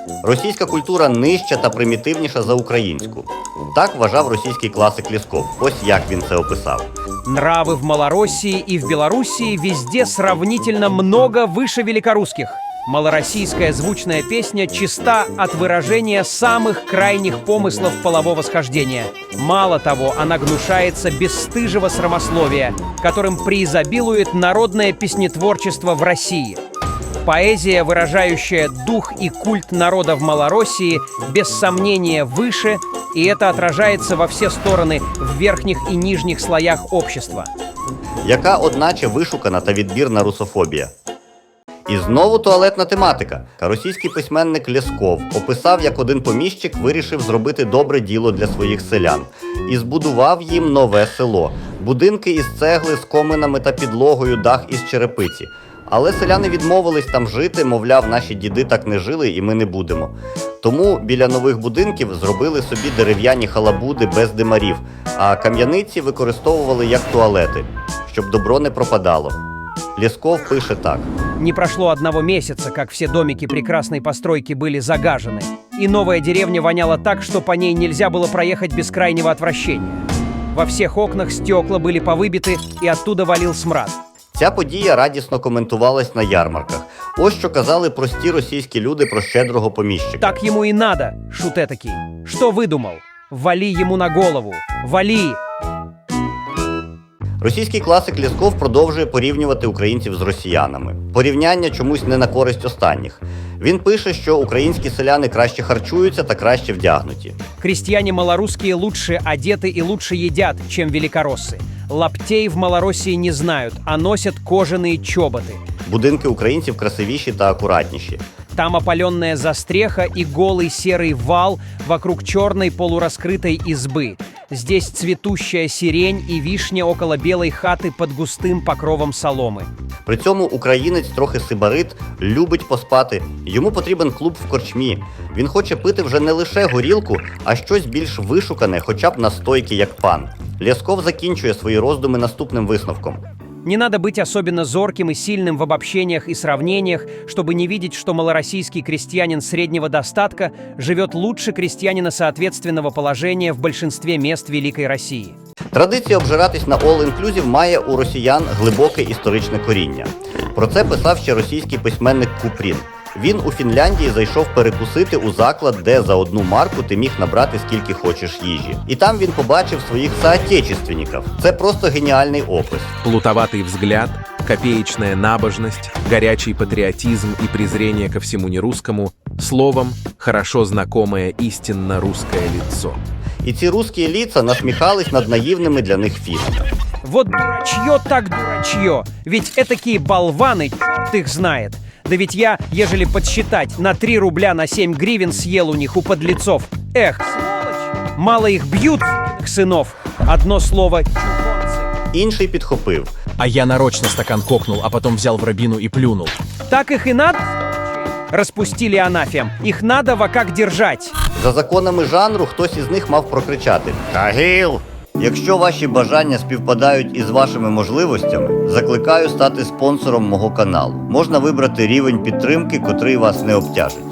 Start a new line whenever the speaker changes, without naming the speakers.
Російська культура нижча та примітивніша за українську. Так вважав російський класик Лєсков. Ось як він це описав.
Нравы в Малороссии и в Белоруссии везде сравнительно много выше великорусских. Малороссийская звучная песня чиста от выражения самых крайних помыслов полового схождения. Мало того, она гнушается бесстыжего срамословия, которым преизобилует народное песнетворчество в России. Поэзия, выражающая дух и культ народа в Малороссии, без сомнения выше, и это отражается во все стороны в верхних и нижних слоях общества.
Яка, одначе, вишукана та відбірна русофобія. І знову туалетна тематика. Російський письменник Лєсков описав, як один поміщик вирішив зробити добре діло для своїх селян і збудував їм нове село. Будинки із цегли, з коминами та підлогою, дах із черепиці. Але селяни відмовились там жити, мовляв, наші діди так не жили і ми не будемо. Тому біля нових будинків зробили собі дерев'яні халабуди без димарів, а кам'яниці використовували як туалети, щоб добро не пропадало. Лєсков пише так.
Не прошло одного месяца, как все домики прекрасной постройки были загажены, и новая деревня воняла так, что по ней нельзя было проехать без крайнего отвращения. Во всех окнах стекла были повыбиты, и оттуда валил смрад.
Ця подія радісно коментувалась на ярмарках. Ось що казали прості російські люди про щедрого поміщика.
Так ему и надо, шут этакий. Что выдумал? Вали ему на голову. Вали!
Російський класик Лєсков продовжує порівнювати українців з росіянами. Порівняння чомусь не на користь останніх. Він пише, що українські селяни краще харчуються та краще вдягнуті.
Крестьяне малорусские лучше одеты и лучше едят, чем великороссы. Лаптей в Малороссии не знают, а носят кожаные чоботы.
Будинки українців красивіші та акуратніші.
Там опаленная застреха и голый серый вал вокруг черной полураскрытой избы. Здесь цветущая сирень и вишня около белой хаты под густым покровом соломы.
При цьому українець трохи сибарит, любить поспати. Йому потрібен клуб в корчмі. Він хоче пити вже не лише горілку, а щось більш вишукане, хоча б настойки, як пан. Лєсков закінчує свої роздуми наступним висновком.
Не надо быть особенно зорким и сильным в обобщениях и сравнениях, чтобы не видеть, что малороссийский крестьянин среднего достатка живет лучше крестьянина соответственного положения в большинстве мест Великой России.
Традиція обжиратись на all-inclusive має у росіян глибоке історичне коріння. Про це писав ще російський письменник Купрін. Він у Фінляндії зайшов перекусити у заклад, де за 1 марку ти міг набрати скільки хочеш їжі. І там він побачив своїх соотечественників. Це просто геніальний опис.
Плутоватый взгляд, копеечная набожность, горячий патриотизм и презрение ко всему нерусскому, словом, хорошо знакомое истинно русское лицо.
І ці русські ліца насміхались над наївними для них фішками.
Вот дурачье так дурачье, ведь этакие болваны, черт их знает. Да ведь я, ежели подсчитать, на 3 рубля на 7 гривен съел у них, у подлецов. Эх, сволочь! Мало их бьют, сынов. Одно слово «чухонцы».
Інший підхопив.
А я нарочно стакан кокнул, а потом взял в рабину и плюнул.
Так их и надо? Распустили анафем. Их надо во как держать.
За законами жанру хтось із них мав прокричати «Тагіл!». Якщо ваші бажання співпадають із вашими можливостями, закликаю стати спонсором мого каналу. Можна вибрати рівень підтримки, котрий вас не обтяжить.